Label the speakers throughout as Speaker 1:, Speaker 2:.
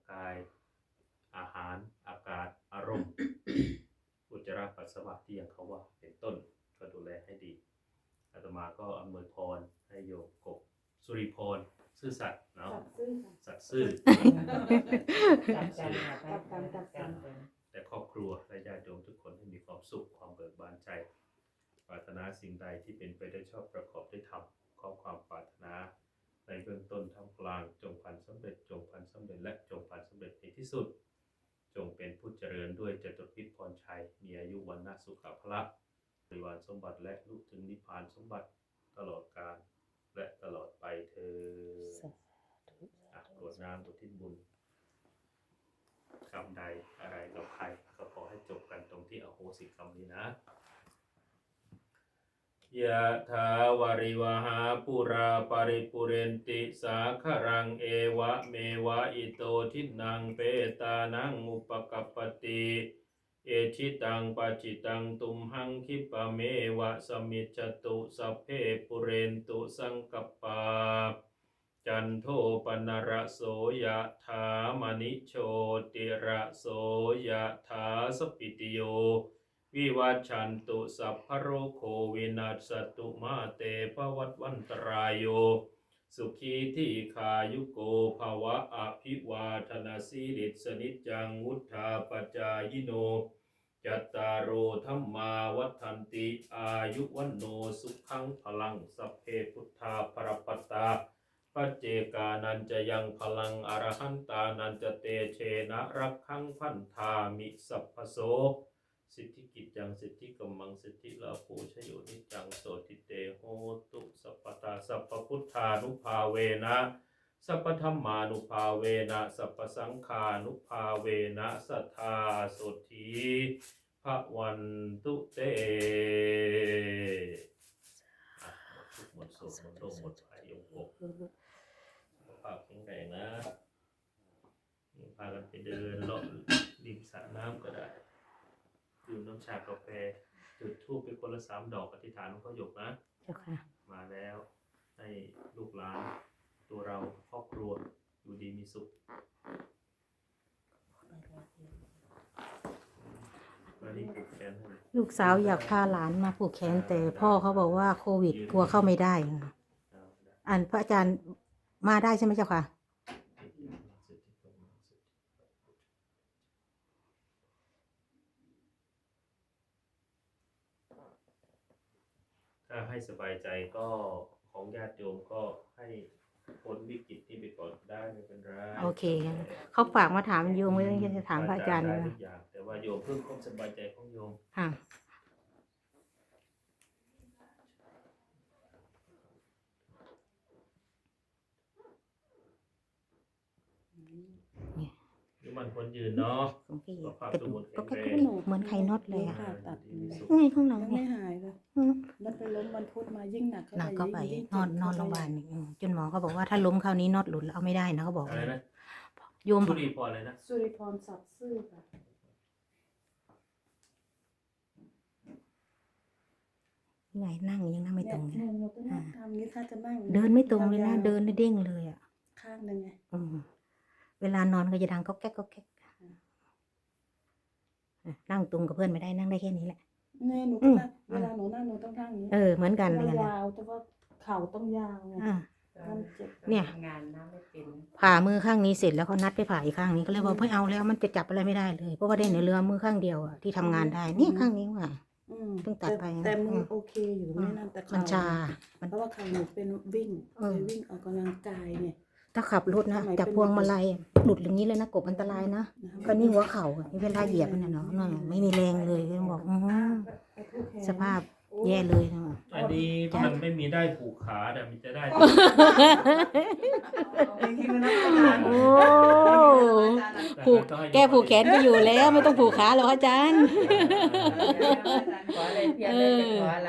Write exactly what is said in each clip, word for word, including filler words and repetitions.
Speaker 1: กายอาหารอากาศอารมณ์ อุจจาระปัสสาวะที่อย่างเขาว่าเป็นต้นก็ดูแลให้ดีอาตมาก็อำนวยพรให้โยมกบสุริพรซื่อสัตย์เนาะสัตย์ซื่อแต่ครอบครัวและญาติโยมทุกคนให้มีความสุขความเบิกบานใจปรารถนาสิ่งใดที่เป็นไปได้ชอบประกอบด้วยธรรมขอความปรารถนาในเบื้องต้นท่ามกลางจงพันสำเร็จจงพันสำเร็จและจงพันสำเร็จในที่สุดจงเป็นผู้เจริญด้วยจตุรพิธพรชัยมีอายุวันนะสุขภาพบริวารสมบัติและลุถึงนิพพานสมบัติตลอดกาลและตลอดไปเธอกรวดน้ำอุทิศบุญกรรมใดอะไรกับใครก็ขอให้จบกันตรงที่อโหสิกรรมนี้นะยะถาวาริวหาปุราปาริปุเรนติสาครังเอวะเมวะอิโตทินังเปตานังอุปกัปปติเอชิตังปัจจิตังตุมหังคิปะเมวะสมิจจตุสัพเพปุเรนตุสังกัปปาจันโทปนรโสยะถามณิโชติระโสยะถาสปิติโยวิวัชชันตุสัพพโรโควินัสสตุมาเตภวัตวันตรายโยสุขีทีขายุโกภวะอภิวาทนาสีริสนิจจังวุธาปจายโนจัตตารโอธัมมาวัฏันติอายุวันโนสุขังพลังสัพเพพุทธาภรปัตตาปัจเจกานันจะยังพลังอรหันตานันจะเตเชนะรักขังพันธามิสัพพโสสิทธิกิจจังสิทธิกัมมังสิทธิลาโภชโยนิจังโสติเตโหตุสัพพตาสัพพพุทธานุภาเวนะสัพพธัมมานุภาเวนะสัพพสังฆานุภาเวนะสัทธาโสธีภวันตุเตหมดทุกข์หมดโศกหมดโรคหมดภัยยมกสุขภาพแข็งแรงนะพากันไปเดินเลาะริมสระน้ำก็ได้ดื่มน้ำชากาแฟจุดธูปไปคนละสามดอกอธิษฐานหลวงพ่อหยกนะเจ้าค่ะมาแล้วให้ลูกหลานตัวเราครอบครัวอยู่ดีมีสุข
Speaker 2: ลูกสาวอยากพาหลานมาผูกแขนแต่พ่อเขาบอกว่าโควิดกลัวเข้าไม่ได้อันพระอาจารย์มาได้ใช่ไหมเจ้าค่ะ
Speaker 1: ถ้าให้สบายใจก็ของญาติโยมก็ให้พ้นวิกฤตนี้ไปก่อนได้ไม่เป็นไร
Speaker 2: โอเคเขาฝากมาถามโยมไว้จะถามพระอาจารย์นะ
Speaker 1: แต่ว่าโยมเพิ่มความสบายใจของโยม
Speaker 2: ค่ะ
Speaker 1: นี่มันคนยืนเนาะ
Speaker 2: กระดูกก็แค่กระดูกเหมือนไข่น็อตเลยอะไงข้างหลัง
Speaker 3: ไม่หายเลยแล้วไปล้มวันพุธมายิ่งหนัก
Speaker 2: หนักก็ไปนอนนอนโรงพยาบาลจนหมอเขาบอกว่าถ้าล้มคราวนี้น็อตหลุดเอาไม่ได้นะเขาบอก
Speaker 1: อะไรนะ
Speaker 2: โยม
Speaker 1: สุริพรเลยนะ
Speaker 3: สุริพรสัตย์ซื่อค่ะ
Speaker 2: ไงนั่งยังนั่งไม่ตรงเลย
Speaker 3: ทำนี้ถ้าจะนั่ง
Speaker 2: เดินไม่ตรงเลยนะเดินเด้งเลยอ่ะ
Speaker 3: ข้างหนึ่งไง
Speaker 2: เวลานอนก็จะดังก็แก๊กก็แก๊กนั่งตรงกับเพื่อนไม่ได้นั่งได้แค่นี้แหละ
Speaker 3: เนี่ยหนูก็นั่งเวลาหนูนั่งหนูต้องนั่งนี้
Speaker 2: เออเหมือนกันเลย
Speaker 3: ยาวแต่ว่าเข่าต้องยาวไง
Speaker 2: เนี่ยผ่ามือข้างนี้เสร็จแล้วเขานัดไปผ่าอีกข้างนี้ก็เลยบอกไม่เอาแล้วมันจะจับอะไรไม่ได้เลยเพราะว่าได้ในเรือมือข้างเดียวอ่ะที่ทำงานได้นี่ข้างนี้ว่ะเพิ่งตัดไป
Speaker 3: แต่มือโอเคอยู่ไม่นั่นแต่
Speaker 2: มันชา
Speaker 3: เพราะว่าเข่าหนูเป็นวิ่งวิ่งออกกำลังกายไง
Speaker 2: ถ้าขับรถนะจากพวงมาลัยหลุดอย่างนี้เลยนะกบอันตรายนะก็นี่หัวเข่าเวลาเหยียบมันเนาะไม่มีแรงเลยบอกสภาพแย่เลยนะ
Speaker 1: อันนี้มันไม่มีได้ผูกขาแต่มันจะได้
Speaker 2: โอ้ผูกแกผูกแขนก็อยู่แล้วไม่ต้องผูกขาหรอกอาจารย์
Speaker 4: ขออะไรเพียรเลยขออะไร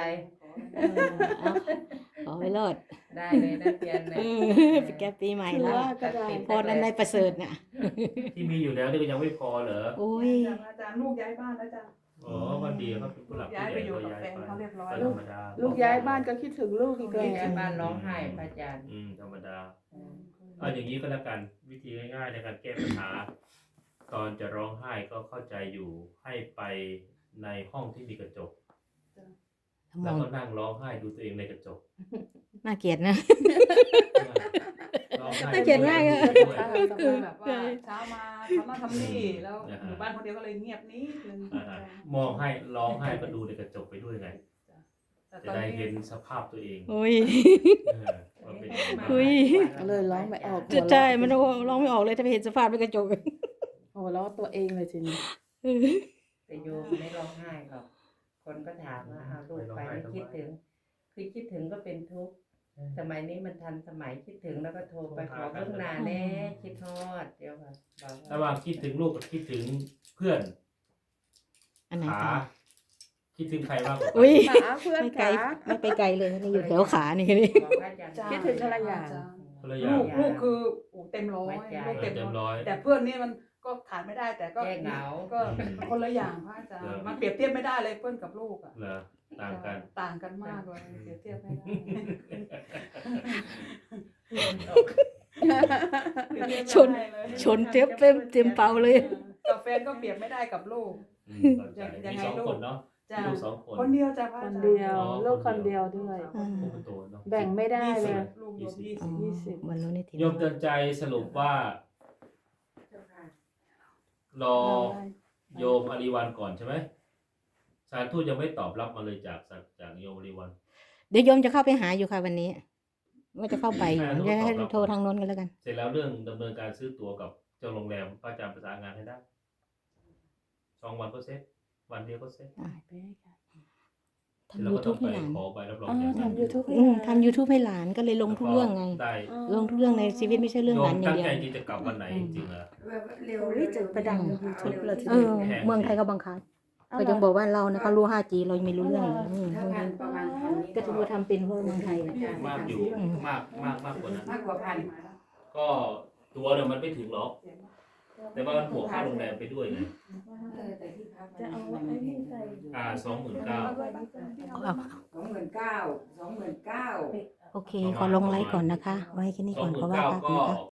Speaker 2: ขอไปรอด
Speaker 4: ได้เลยนะเพียรเลย
Speaker 2: แกปีใหม่แล้วพอนั้นในประเสริฐน่ะ
Speaker 1: ที่มีอยู่แล้วนี่ก็ยังไม่พอเหรอ
Speaker 2: โอ้ย
Speaker 3: อาจารย์ลูกย้ายบ้านแล้วจ้ะ
Speaker 1: อ๋อพอดีเขาเป็นผู้หลักผู้ใหญ่ก็ย้ายไป
Speaker 3: เขาเรียบร้อย
Speaker 1: ธรรมดา
Speaker 3: ลูกย้ายบ้านก็คิดถึงลูกอีกเลย
Speaker 4: ย้ายบ้านร้องไห้พระอาจารย์
Speaker 1: อืมธรรมดาเอาอย่างนี้ก็แล้วกันวิธีง่ายๆในการแก้ปัญหา ตอนจะร้องไห้ก็เข้าใจอยู่ให้ไปในห้องที่มีกระจก
Speaker 2: ม
Speaker 1: แล้
Speaker 2: อ
Speaker 1: ว
Speaker 2: ง
Speaker 1: ก็นั่งร้องไห้ดูตัวเองในกระจก
Speaker 2: น่าเกลียดนะ
Speaker 1: ร้องไห้
Speaker 2: น่าเกลียดมากอะ
Speaker 1: ด้วย
Speaker 3: แบบว่าเช้ามาทำนั่นทำนี่แล้วอยู่บ้านคนเดียวก็เลยเงียบนิดนึง
Speaker 1: อ่าๆมองให้ร้องไห้ก็ดูในกระจกไปด้วยไง
Speaker 3: แต่
Speaker 1: จะ
Speaker 3: ตอน
Speaker 1: ได้
Speaker 3: นี้
Speaker 1: เห็นสภาพตัวเอง
Speaker 2: โอ้ย
Speaker 1: เออว่าเป็นยังไง
Speaker 2: อุ๊ย
Speaker 3: ก็เลยร้องไม่ออก
Speaker 2: จะใช่มันร้องไม่ออกเลยถ้าไปเห็นสภาพในกระจก
Speaker 3: โอ้โหแล้วตัวเองเลยทีนี้
Speaker 4: แต่โยมไม่ร้องไห้หรอกคนก็ถามว่าเอาลูกไปไม่คิดถึง คือคิดถึงก็เป็นทุกข์สมัยนี้มันทันสมัยคิดถึงแล้วก็โทรไปขอเพิ่งนาแน่คิดทอดเดี๋ยวค่ะบอก
Speaker 1: ระหว่างคิดถึงลูกกับคิดถึงเพื่อน
Speaker 2: อันไหน
Speaker 1: ขา
Speaker 2: กัน
Speaker 1: คิดถึงใครมากกว่ากัน
Speaker 2: อุ้ย
Speaker 3: ขาเพื่อน
Speaker 2: ไม่ไกล
Speaker 3: ขา
Speaker 2: ไม่ไปไกลเลยนี่อยู่แถวขานี่นี่
Speaker 4: บอกว่าอาจารย์
Speaker 3: คิดถึงอะไรอย่าง
Speaker 1: คนละอย่า
Speaker 3: ลู
Speaker 1: ง
Speaker 3: กลูกคือโอ้เต็มร้อย
Speaker 4: ไม่ใจ
Speaker 3: ลูก
Speaker 1: เออ
Speaker 3: เต็ม
Speaker 1: เต็ม
Speaker 3: ร้อย
Speaker 1: ร้อย
Speaker 3: แต่เพื่อนนี่มันก็ขาดไม่ได้แต่ก็
Speaker 4: แก้เหงา
Speaker 3: ก็คนละอย่างพระอาจาร
Speaker 1: เออ
Speaker 3: ย์มันเปรียบเทียบไม่ได้เลยเพื่อนกับลูกอ่ะ
Speaker 1: เหรอต่างกัน
Speaker 3: ต่างกันมากเลยเปรียบเทียบไม่ได้เปรียบเทียบไม่ได้เลย
Speaker 2: ชนชนเต็มเต็มเต็มเป่าเลย
Speaker 3: กับแฟนก็เปรียบไม่ได้กับลูก
Speaker 1: อืมเข้าใจ
Speaker 3: ยัง
Speaker 1: มี
Speaker 3: ไง
Speaker 1: สอง
Speaker 3: ลูก
Speaker 1: คนเนาะ
Speaker 3: จ้ะ
Speaker 1: ลูกสองคน
Speaker 3: คนเดียวจ้ะพระ
Speaker 5: ค
Speaker 3: อาน จารย์
Speaker 5: เดียว
Speaker 1: อ๋อ
Speaker 5: ลูก
Speaker 1: ค
Speaker 5: คน น
Speaker 1: เดี
Speaker 5: เดี
Speaker 1: ย
Speaker 5: ยว วด้วย
Speaker 2: อืม
Speaker 1: ลูกคนโตเนาะ
Speaker 5: แบ่งไม่ได้
Speaker 3: ยี่
Speaker 5: เล
Speaker 3: สิ
Speaker 5: ย
Speaker 3: บลูกโยมยี่
Speaker 2: อ๋
Speaker 3: สิ
Speaker 2: อบ
Speaker 5: ยี่สิบ
Speaker 2: วันรู้ในที
Speaker 1: โยมเตือนใจสรุปว่า รอโยมอริวันก่อนใช่ไหมสารทูตยังไม่ตอบรับมาเลยจากจากโยมอริวัน
Speaker 2: เดี๋ยวโยมจะเข้าไปหาอยู่ค่ะวันนี้ ว่าจะเข้าไปอยู่
Speaker 1: อ่า
Speaker 2: จะให้
Speaker 1: ตอบรับ
Speaker 2: โทรทางโน้นกันแล้วกัน
Speaker 1: เสร็จแล้วเรื่องดำเนินการซื้อตั๋วกับเจ้าโรงแรมป้าจารย์ประสานงานให้ได้สองวันก็เสร็จวันเดียวก็เสร็จ
Speaker 2: ทำ
Speaker 1: เรา
Speaker 2: ยู
Speaker 1: ก็ต้
Speaker 2: ทู
Speaker 1: อบ งไป
Speaker 2: ให้หลาน
Speaker 1: ขอใบรับรอง
Speaker 5: อ๋อ
Speaker 1: จาก
Speaker 5: ทำยูทูบให้
Speaker 2: อืม
Speaker 5: หลาน
Speaker 2: ทำยูทูบให้หลานก็เลยลงทุกเรื่องไง
Speaker 1: ได้
Speaker 2: ลงทุกเรื่องในชีวิตไม่ใช่เรื่อง
Speaker 1: โย
Speaker 2: หลาม นอย่า
Speaker 1: ตั้
Speaker 2: ง
Speaker 1: ง
Speaker 2: เดียว
Speaker 1: ใจที่จะกลับวันไหนจริงๆเหรอ
Speaker 4: เร็ว
Speaker 5: โอ้ยจะไปดังยูทูบเลยที
Speaker 2: เอ
Speaker 5: เดีย
Speaker 2: อ
Speaker 5: ว
Speaker 1: แพง
Speaker 2: เมืองไทยก็บังคับก็ยังบอกว่าเรานะเขารู้ ห้าจี เรายังไม่รู้เรื่องเลยอืม
Speaker 4: ถ้างานประมาณพันนี้
Speaker 2: ก็ถือว่าทำเป็นเพราะเมืองไทยอะ
Speaker 1: มากอยู่มากมากมากกว่านั้น
Speaker 4: มากกว่าพัน
Speaker 1: ก็ตัวเนี่ยมันไม่ถึงหรอก แต่ว่ามันบวกค่าโรงแรมไปด้วยไง
Speaker 4: เออแต่ที่พัก
Speaker 5: จะเอาไอ้นี่ใส่
Speaker 1: อ่าสองหมื่นเก้า
Speaker 2: เอา
Speaker 4: สองหมื่นเก้าสองหมื่นเก้า
Speaker 2: โอเค ขอลงไลค์ก่อนนะคะ ไว้แค่นี้
Speaker 1: สอ
Speaker 2: ก่
Speaker 1: ง
Speaker 2: อน
Speaker 1: หมื่
Speaker 2: เพ
Speaker 1: น
Speaker 2: ราะว่า
Speaker 1: เก้า
Speaker 2: พัก
Speaker 1: ก็
Speaker 2: นะคะ